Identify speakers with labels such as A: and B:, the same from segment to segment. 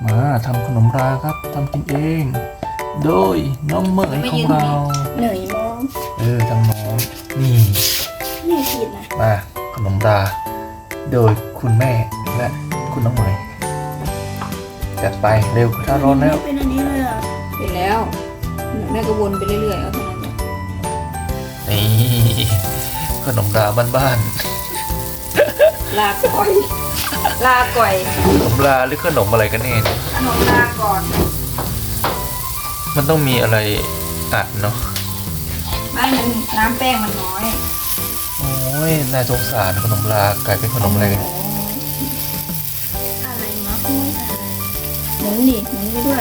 A: มาทำขนมราครับทำกินเอง โดยน้องเหมยของเรา
B: เหนื่อยมอง
A: ทำน้องนี่
B: นี่ผิดนะ
A: มาขนมราโดยคุณแม่และคุณน้องเหมยจัดไปเร็วถ้าร้อนแล้ว
B: เป็นอันนี้เลยอ่ะ
C: เสร็จแล้วแม่ก็วนไปเรื่อยๆเอาเท่านั้นแหละ
A: นี่ขนมราบ้าน
C: ลาก่อย ลาก่อย
A: ๆขนมราหรือขนมอะไรกันแน่เนี่ย
C: ขนมลาก่อน
A: มันต้องมีอะไรอัดเนาะ
C: ไม่มันน้ำแป้งมันน้อย
A: โอ้ยน่าสงสารขนมรากลายเป็นขนมอะไรกัน
B: อะไรมะม่วงอะไร
C: หมุนดิหมุนไปด้วย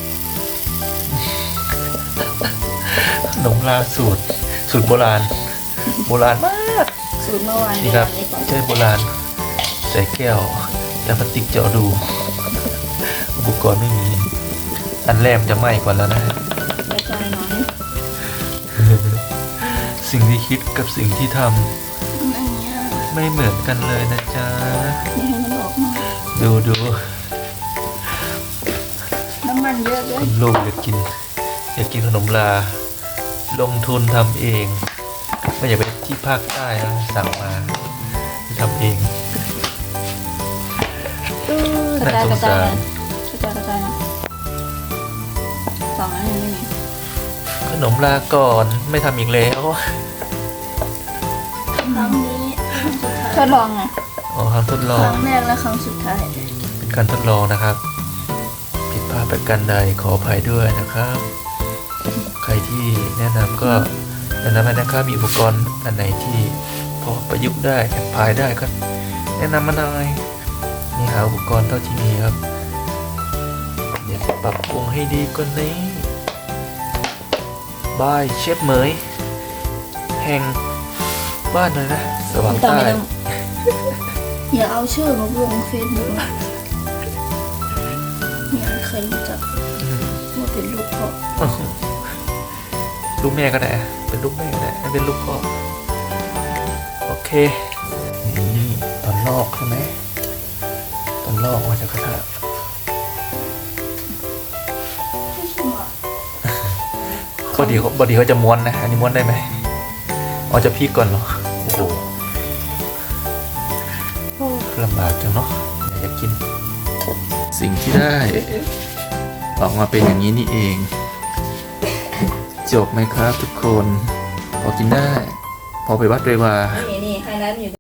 A: ขนมราสูตรโบราณมาก
C: สูตรเมื่อวาน
A: นี่ครับ
C: นี้ก่อน
A: ใช่โบราณใส่แก้วแล้วพลาสติกเจาะรูอุปกรณ์ไม่มี อันแรกมันจะไหม้ก่อนแล้วนะ
C: กระจายหน่อย
A: สิ่งที่คิดกับสิ่งที่ท
B: อันเนี้ย
A: ำไม่เหมือนกันเลยนะจ๊ะ
C: อย่าให้มันออกมา
A: ดู
C: น้ำมันเยอะเลย
A: คุณลูกอยากกินขนมราลงทุนทำเอง ไม่อยากไปที่ภาคใต้นะสั่งมาทำเอง
C: กระจาย
A: น่าสง
C: กระจา
A: สาย ร
C: นะกระจายนะสองอันยังไม่มี
A: ขนมราก่อนไม่ทำอีกแล้ว
B: ครั้งนี้ครั้งสุดท้าย
C: ทดลองไง
A: อ๋อทำทดล
B: ค
A: อง
B: รั้งแรกและครั้งสุดท้าย
A: เป็นการทดลองนะครับ ผิดพลาดประการใดขออภัยด้วยนะครับ ใครที่แนะนำก็แนะนำให้นะครับมีอุปกรณ์อันไหนที่พอประยุกต์ได้แอพพลายได้ก็แนะนำมาหน่อยนี่หาอุปกรณ์เท่าที่มีครับเดี๋ยวจะปรับปรุงให้ดีกว่านี้บายเชฟเหมยแห่งบ้านเลยนะสว่าง
C: ไม่ต้อง
A: ใต้
C: ไม่ต้อง
B: อย่าเอาชื่อมาลงเฟซบุ๊กนะเนี่ยใครรู้จัก
A: อืม
B: ว่าเป็นลูกพ่อ
A: ลูกแม่ก็ได้เป็นลูกแม่ก็ได้ไม่เป็นลูกพ่อโอเคนี่ตอนลอกใช่ไหมตอนลอกมาจากกระทะ
B: ไม่ใช่หรอ
A: บอดีเขาจะม้วนนะอันนี้ม้วนได้ไหมอ๋อจะพลิกก่อนเหรอโอ้โหลำบากจังเนาะอยากกิน สิ่งที่ได้ออกมาเป็นอย่างนี้นี่เอง จบไหมครับทุกคนพอกินได้ พอไปวัดเลยว่า
C: นี่ไฮไลท์มันอยู่